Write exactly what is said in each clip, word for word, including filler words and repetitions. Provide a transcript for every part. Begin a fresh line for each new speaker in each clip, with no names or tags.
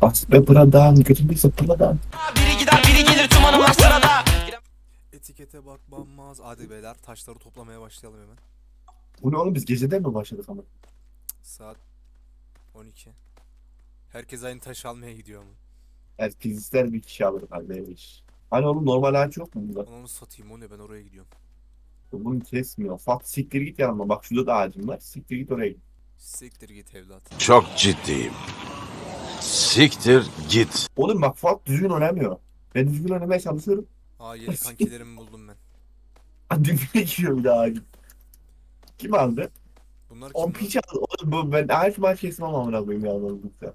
Bas be buradan götürdüyse buradan.
Biri gider biri gelir tüm hanımlar sırada.
Etikete bakmamaz. Hadi beyler taşları toplamaya başlayalım hemen.
Bu ne oğlum biz geceden mi başladık ama?
Saat on iki. Herkes aynı taş almaya gidiyor ama.
Herkes ister bir kişi alır kardeş. Hani oğlum normal ağaç yok mu burada?
Onu satayım, o ne, ben oraya gidiyorum.
Bunu kesmiyor. Fat siktir git yanıma. Bak şurada da ağacım var. Siktir git oraya git.
Siktir git evlat.
Çok ciddiyim. Siktir git.
Oğlum bak Fat düzgün oynamıyor. Ben düzgün oynamaya çalışıyorum.
Aa, yeni kankilerimi buldum ben.
Dibine giriyor bir daha ağacım. Kim aldı?
Bunlar
O
kim lan?
piç aldı. Oğlum bu ben ağaç maaş kesmem amına koyayım ya. Anladıkça.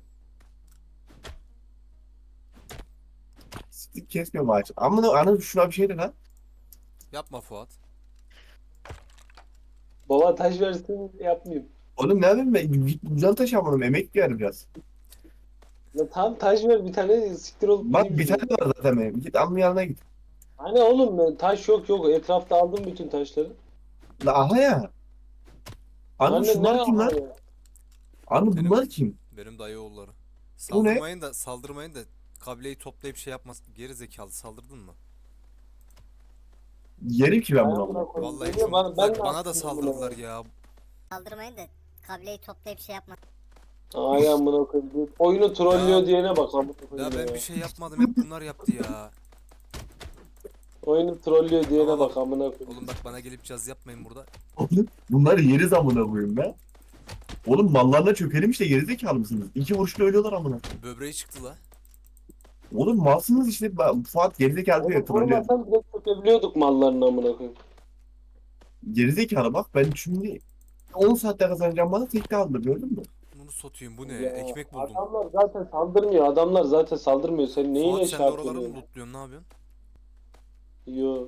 Siktir kesmiyorum ağaç. Amına anı şuna bir şey de lan.
Yapma Fuat.
Baba taş versin yapmayayım.
Oğlum ne yapayım ben? Güzel taş amına emek ver biraz.
Ya tamam taş ver bir tane siktir olup
Bak
gideyim
bir tane
işte.
var zaten benim. Git amın yanına git.
Hani oğlum ben taş yok yok etrafta aldım bütün taşları.
La aha ya. Anı
Anne
şunlar
ne
kim lan?
ya?
Anı
Benim-
bunlar kim?
Benim dayı oğulları.
Bu ne?
Saldırmayın da saldırmayın da kabileyi toplayıp şey yapmaz. Geri zekalı, saldırdın mı?
Yerim ki ben bunu
Amına
amına.
koyayım.
Vallahi
Geliyor bana,
cumhuriyetler
de
bana da
yaptım
saldırdılar
bunu.
ya.
Kaldırmayın da kabileyi toplayıp şey yapma.
Ay amına koyayım. Oyunu trollüyor
Ya-
diyene bak amına
Ya
koyayım
ben
ya.
bir şey yapmadım, hep bunlar yaptı ya.
Oyunu trollüyor diyene
Ama
bak amına koyayım.
Oğlum bak, bana gelip caz yapmayın burada.
Oğlum bunları yeriz amına koyayım be. Oğlum mallarına çökelim işte gerizekalı mısınız? İki vuruşta ölüyorlar amına.
Böbreği çıktı la.
Oğlum malsınız işte. Ben- Fuat gerizekalı diyor
Oğlum
trollüyor.
vurmasan direkt çökebiliyorduk mallarını amına koyayım.
Gerizekalı bak ben şimdi on saatte kazanacağım bana tekte aldı gördün mü?
Bunu satayım, bu ne?
Ya,
Ekmek buldum.
Adamlar zaten saldırmıyor. Adamlar zaten saldırmıyor. Sen neyine
Fuat,
şey
sen de oraları
yapıyorsun?
mı lootluyorsun, ne yapıyorsun?
Yo.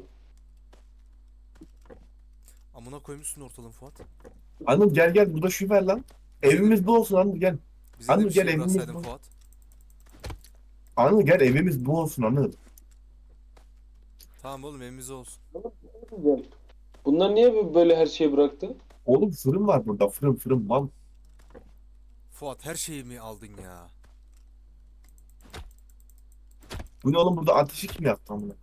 Amına koymuşsun ortalığın Fuat.
Anıl gel gel burada şu ver lan. Evimiz bu olsun Anıl gel.
Bize de
Anıl
bir şey
gel, evimiz
bıraksaydın
bu.
Fuat.
Anıl gel evimiz bu olsun Anıl.
Tamam oğlum, evimize olsun.
Güzel. Bunlar niye böyle her şeyi bıraktı?
Oğlum fırın var burada fırın fırın mal.
Fuat, her şeyi mi aldın ya?
Bu ne oğlum burada ateşi kim yaktı amına?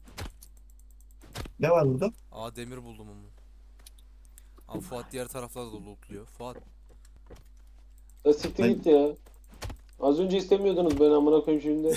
Ne var burada?
Aa, demir buldum onu. Ama Fuat diğer taraflarda da lootluyor. Fuat,
Ya siktir
Ben-
git ya. Az önce istemiyordunuz ben amına koyayım şimdi.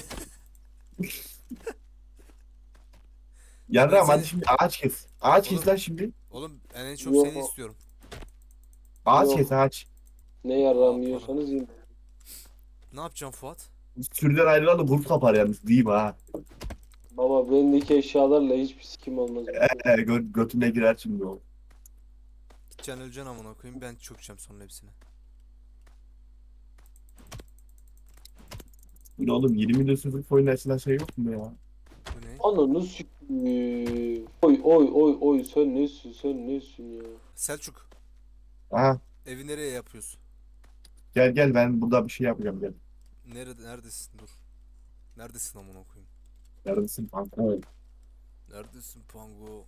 Yarram
Ben
hadi
seni-
şimdi ağaç kes. Ağaç
Oğlum-
kes lan şimdi.
oğlum ben en çok
Yo.
seni istiyorum.
Ağaç
Yok.
kes ağaç.
Ne yarrağımı yiyorsanız yiyin.
Ne yapacaksın Fuat?
Sürüden ayrılan da kurt kapar yalnız diyeyim ha.
Baba bendeki eşyalarla hiçbir sikim olmaz.
Ee, gö götüne girer şimdi o.
Gideceksin, öleceksin amına koyayım, ben çökeceğim sonra hepsine.
Bu ne oğlum yirmi milyon sözlük oyun açılan şey yok mu ya?
Bu ne?
Ananı sikiyim. Oy oy oy oy sen nesin sen nesin ya.
Selçuk,
Aha
evi nereye yapıyorsun?
gel gel ben burada bir şey yapacağım gel.
Nerede, neredesin, dur. Neredesin amına koyayım?
Neredesin kanka?
Neredesin Pango?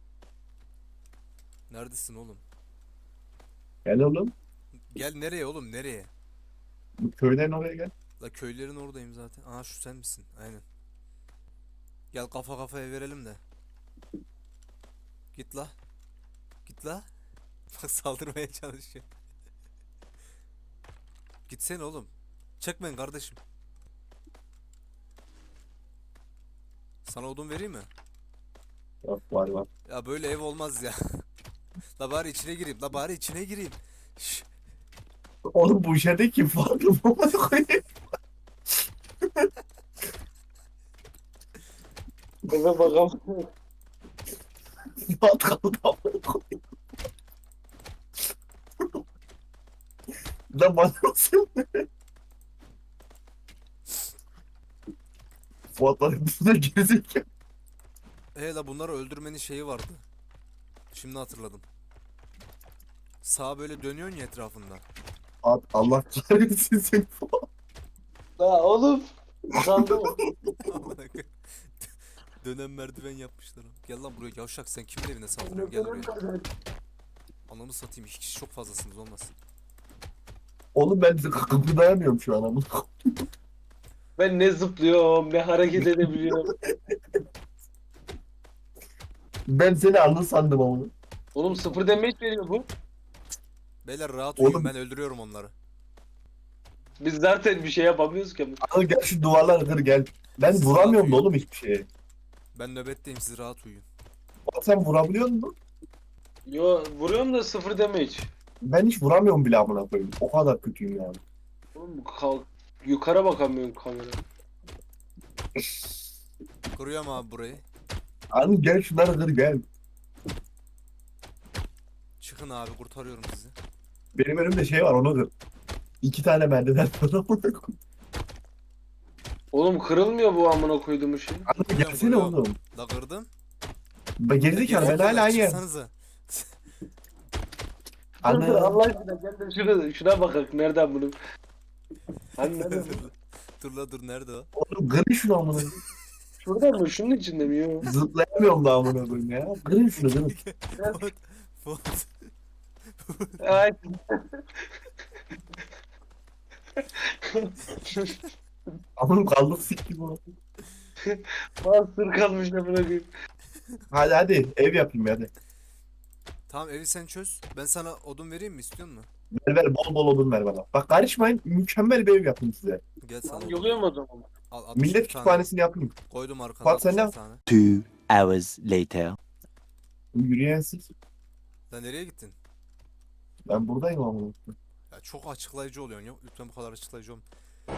Neredesin oğlum?
Gel oğlum.
Gel nereye oğlum, nereye?
Bu köyden oraya gel.
La köylerin oradayım zaten. Aha, şu sen misin? Aynen. Gel kafa kafaya verelim de. Git la. Git la. Bak, saldırmaya çalışıyor. Gitsene oğlum. Çekmeyin kardeşim. Sana odun vereyim mi?
Yok var var.
Ya böyle ev olmaz ya. La bari içine gireyim. La bari içine gireyim. Şş,
Oğlum bu işe kim farklı mı koyayım?
Eve bakalım.
Fuat kaldı amına koyayım. Lan bana nasıl? Fuat var üstüne gerizekalı.
He la, bunları öldürmenin şeyi vardı. Şimdi hatırladım. Sağa böyle dönüyorsun ya etrafında.
Fuat Allah kahretsin seni Fuat.
La oğlum. Sandım.
Amına koyayım. Dönen merdiven yapmışlar. Gel lan buraya yavşak, sen kimin evine saldırıyorsun? Gel buraya. Ananı satayım, iki kişi çok fazlasınız, olmaz.
Oğlum ben kıpırdayamıyorum şu an amına.
Ben ne zıplıyorum ne hareket edebiliyorum.
Ben seni anlı sandım ama.
Oğlum sıfır damage veriyor bu.
Beyler rahat
Oğlum.
uyuyun, ben öldürüyorum onları.
Biz zaten bir şey yapamıyoruz ki.
Al gel şu duvarları kır gel. Ben
Siz
vuramıyorum da
rahat
oğlum hiçbir şeye.
Ben nöbetteyim, siz rahat uyuyun.
Bak sen vurabiliyor musun?
Yo vuruyorum da sıfır damage.
Ben hiç vuramıyorum bile amına koyayım. O kadar kötüyüm yani.
Oğlum kalk. Yukarı bakamıyorum kamera.
Kuruyorum abi burayı.
Al gel şunları kır gel.
Çıkın abi, kurtarıyorum sizi.
Benim önümde şey var onu kır. İki tane merdiven var amına koyayım.
Oğlum kırılmıyor bu amına koyduğum şey.
Anıl
Vuruyorum,
gelsene
vuruyorum.
oğlum.
La kırdım.
Ben gerizekalı ben hala aynı yer.
Çıksanıza.
Dur dur
Anıl.
Allah aşkına gel de şuna, şuna bakak nereden bunu. Hani nereden bunu?
Dur la dur, nerede o?
Oğlum kırın şunu amına koyayım.
Şuradan mı? Şunun içinde mi? Yo.
Zıplayamıyorum da amına koyayım ya. Kırın şunu kırın.
Fuat. Fuat.
Ay.
Amına kaldık sik gibi oldu.
Mahsur kalmış amına koyayım.
Hadi hadi ev yapayım hadi.
Tamam, evi sen çöz. Ben sana odun vereyim mi, istiyor musun?
Ver ver bol bol odun ver bana. Bak karışmayın mükemmel bir ev yapayım size.
Gel sana odun.
Yoluyor mu o zaman?
Al, altmış
Millet
bir tane
kütüphanesini yapayım.
koydum arkana.
Fuat, sen
altmış bir
ne-
tane.
Two hours later.
Yürüyen siz.
Lan nereye gittin?
Ben buradayım amına koyayım.
Ya çok açıklayıcı oluyorsun ya. Lütfen bu kadar açıklayıcı olma.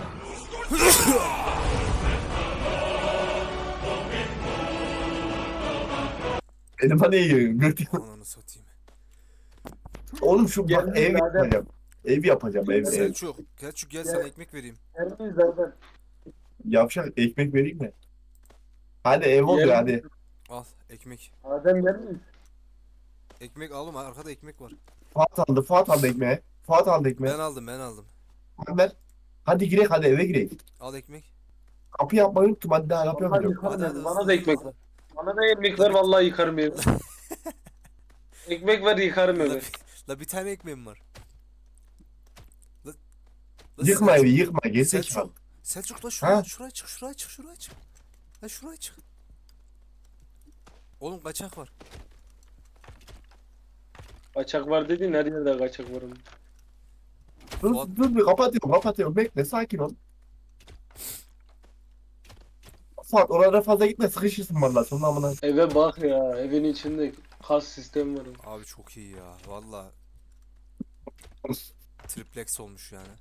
Benim hani iyi. Gırt.
Ananı satayım.
Oğlum şu bak
Geldim
ev
zaten.
yapacağım. Ev yapacağım ev ev.
Selçuk. Selçuk gel, sana ekmek vereyim.
Yerliyiz zaten.
Yavşak ekmek vereyim mi? Hadi ev oluyor
Yerli-
hadi.
Al ekmek.
Adem yerliyiz.
Ekmek al oğlum, arkada ekmek var.
Fuat aldı Fuat aldı ekmeği. Fuat aldı ekmeği.
Ben aldım ben aldım.
Hadi ver. Hadi girek hadi eve girek.
Al ekmek.
Kapı yapmayı unuttum hadi daha kapı
Vallahi
yapacağım.
yıkarım
Hadi,
ben.
hadi,
Bana
hızlı,
da ekmek
hızlı.
ver. Bana da ekmek ver vallahi yıkarım evi. Ekmek ver yıkarım
La,
evi.
bir- la bir tane ekmeğim var. La, la
Yıkma
Selçuk-
evi yıkma gerizekalı.
Selçuk. Selçuk la şuraya,
Ha?
şuraya çık, şuraya çık, şuraya çık. La şuraya çık. Oğlum kaçak var.
Kaçak var dediğin her yerde kaçak var.
Dur
Fuat-
dur bir kapatıyorum kapatıyorum bekle sakin ol. Fuat oralara fazla gitme sıkışırsın valla sonra amına.
Eve bak ya evin içinde kas sistemi var.
Abi çok iyi ya. Valla. Triplex olmuş yani.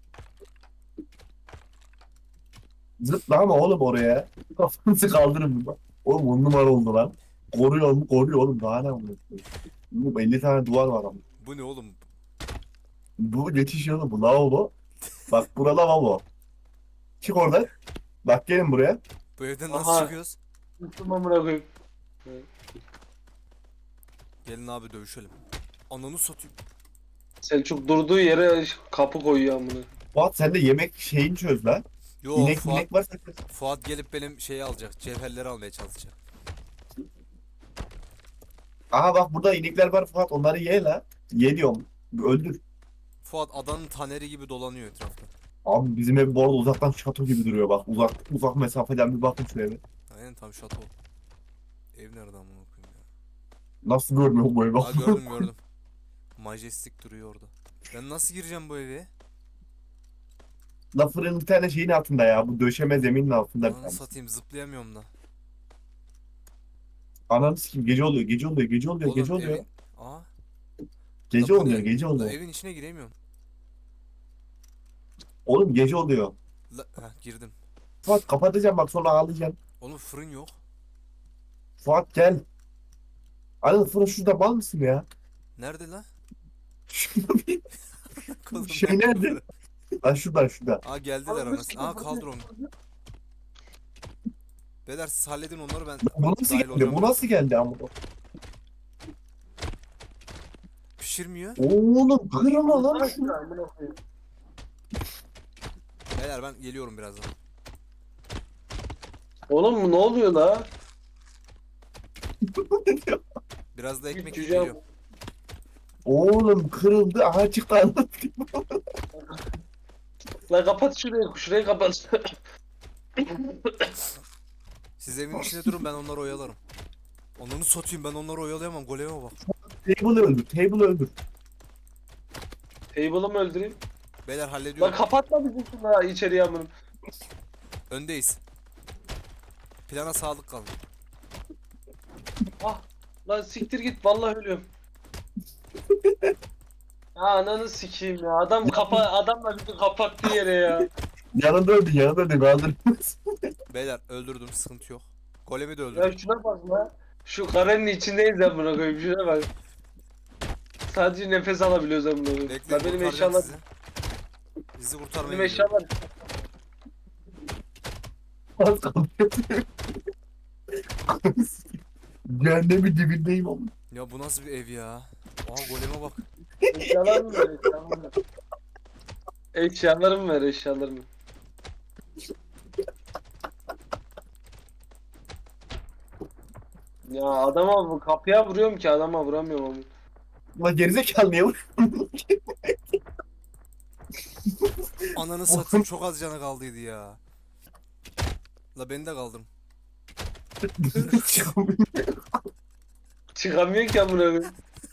Zıpla ama oğlum oraya. Kafanızı kaldırın bak. Oğlum on numara oldu lan. Koruyor mu koruyor oğlum daha ne amına. Oğlum elli tane duvar var ama.
Bu ne oğlum?
Bu geçiş yolu bu lavabo. Bak burada lavabo. Çık oradan. Bak gelin buraya.
Bu evden nasıl
Aha.
çıkıyoruz?
Üstüm amına koyayım.
Gelin abi dövüşelim. Ananı satayım.
Selçuk durduğu yere kapı koyuyor amına.
Fuat sen de yemek şeyini çöz lan.
Yo
İnek
Fuat,
minek varsa
Fuat gelip benim şeyi alacak. Cevherleri almaya çalışacak.
aha bak burada inekler var Fuat onları ye la. Ye diyorum. Öldür.
Fuat adanın taneri gibi dolanıyor etrafta.
Abi bizim ev bu arada uzaktan şato gibi duruyor bak. Uzak uzak mesafeden bir bakın şu eve.
Aynen tam şato. Ev nerede amına koyayım ya?
Nasıl görmüyor bu evi?
Aa gördüm gördüm. Majestic duruyor orada. Ben nasıl gireceğim bu eve?
La fırın bir tane şeyin altında ya. Bu döşeme zeminin altında bir
Ananı
tane.
satayım, zıplayamıyorum da.
Ananı sikeyim gece oluyor gece oluyor gece oluyor
Oğlum
gece oluyor.
evin... Aa.
Gece
la bu
oluyor
ne?
gece
La
oluyor.
evin içine giremiyorum.
Oğlum gece oluyor.
La... Heh, girdim.
Fuat kapatacağım bak sonra ağlayacağım.
Oğlum fırın yok.
Fuat gel. Anıl fırın şurada mal mısın ya?
Nerede la?
Şurada bir
Kolum
şey nerede? Lan şurada şurada.
Aa geldiler anasını. Aa kaldır onu. Beyler siz halledin onları, ben
Bu nasıl
dahil
geldi?
olacağım
Bu
biraz.
nasıl geldi ama?
Pişirmiyor.
Oğlum kırma lan şunu.
Amına koyayım.
Beyler ben geliyorum birazdan.
Oğlum bu ne oluyor la?
Biraz da ekmek
Cüce-
geliyor.
Oğlum kırıldı. Aha çıktı anlatayım.
La kapat şurayı, şurayı kapat.
Siz evin içinde durun, ben onları oyalarım. Onları satayım, ben onları oyalayamam. Goleme bak.
Table'ı öldür. Table'ı öldür.
Table'ı mı öldüreyim?
Beyler
Lan
hallediyorum.
kapatma bizim şunu içeriye amınım.
Öndeyiz. Plana sağlık kalın.
Ah lan siktir git vallahi ölüyorum. Ya ananı sikeyim ya. Adam kapa adamla bizi kapattığı yere ya.
Yanında öldü. Yanında öldü. Kaldır.
Beyler öldürdüm, sıkıntı yok. Golemi de
Ya
öldürdüm.
şuna bak lan. Şu karenin içindeyiz ya buna koyayım şuna bak. Sadece nefes alabiliyoruz amına koyayım.
Bekleyin,
Lan benim
kurtaracağım
eşyalar
sizi. Bizi kurtarmaya
benim
gidiyorum.
eşyalar
Az kaldı. Cehennemin dibindeyim ama.
Ya bu nasıl bir ev ya? Aa goleme bak.
eşyalarımı ver eşyalarımı ver. Eşyalarımı ver eşyalarımı. Ya adama bu kapıya vuruyorum ki adama vuramıyorum onu.
Ulan gerizekalı niye vuruyorsun?
Ananı satayım, çok az canı kaldıydı ya. La beni de kaldırın.
Çıkamıyor ki amına koyayım.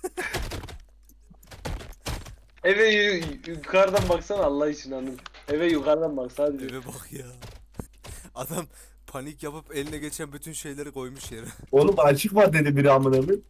Eve yu- yukarıdan baksana Allah için hanım. Eve yukarıdan bak sadece.
Eve bak ya. Adam panik yapıp eline geçen bütün şeyleri koymuş yere.
Oğlum açık var dedi biri amına koyayım.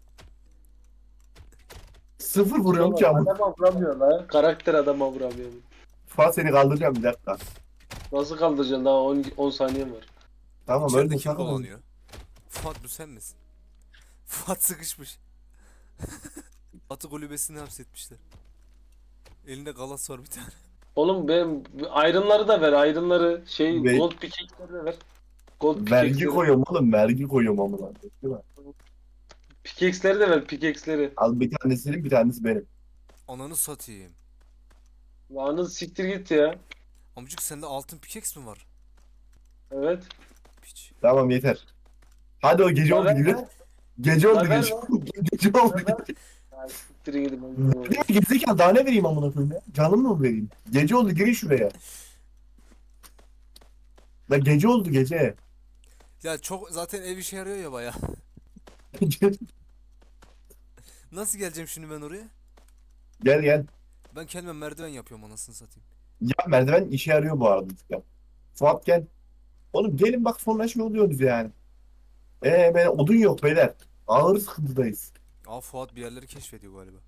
Sıfır vuruyorum ki amına.
Adama vuramıyor la. Karakter adama vuramıyor.
Fuat seni kaldıracağım bir dakika.
Nasıl kaldıracaksın daha on, on saniyen var.
Tamam
İçeride
öldüm
kim
sana.
dolanıyor? Fuat, bu sen misin? Fuat sıkışmış. Atı kulübesine hapsetmişler. Elinde galas var bir tane.
Oğlum benim ayrınları da ver ayrınları. Şey
Ve-
gold pickaxe'leri de ver. Gold
Vergi
pickaxe'leri.
koyuyorum oğlum vergi koyuyorum amına. Değil mi?
Pickaxe'leri de ver pickaxe'leri.
Al bir tanesinin bir tanesi benim.
Ananı satayım.
Lanı siktir git ya.
Amcık sende altın pickaxe mi var?
Evet.
Piç.
Tamam yeter. Hadi o gece
La
oldu
ver
gibi.
lan.
Gece oldu
La ver
gece.
lan.
Gece oldu.
La ver. Ya siktir gidin.
Ya gerizekalı daha ne vereyim amına koyayım ya? Canım mı vereyim? Gece oldu girin şuraya. La gece oldu gece.
Ya çok zaten ev işe yarıyor ya baya. Nasıl geleceğim şimdi ben oraya?
Gel gel.
Ben kendime merdiven yapıyorum anasını satayım.
Ya merdiven işe yarıyor bu arada. Ya. Fuat gel. Oğlum gelin bak sonra şey oluyoruz yani. Eee ben odun yok beyler. Ağır sıkıntıdayız.
Aa Fuat bir yerleri keşfediyor galiba.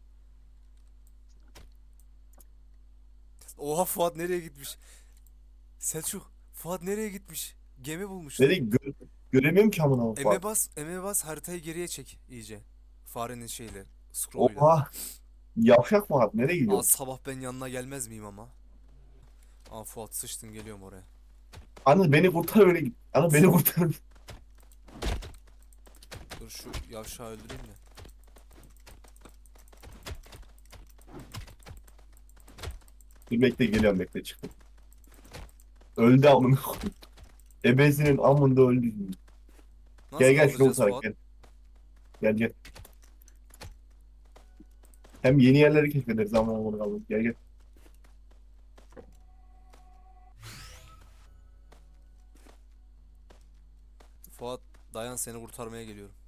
Oha Fuat nereye gitmiş? Selçuk, Fuat nereye gitmiş? Gemi bulmuş.
Nereye gö göremiyorum ki amına
Eme
Fuat.
bas, eme bas, haritayı geriye çek iyice. Farenin şeyle, scroll'uyla.
Oha. Yavşak Fuat nereye
Aa
gidiyor?
sabah ben yanına gelmez miyim ama? Aa Fuat sıçtın, geliyorum oraya.
Anıl beni kurtar öyle git. Anıl beni kurtar.
Dur şu yavşağı öldüreyim de.
Dur bekle geliyorum bekle çıktım. Öldü amına koyayım. Ebesinin amında öldü.
Nasıl
Gel gel şunu
kaldıracağız
kurtarak
Fuat?
gel. Gel gel. Hem yeni yerleri keşfederiz amına koyayım. Gel gel.
Fuat dayan, seni kurtarmaya geliyorum.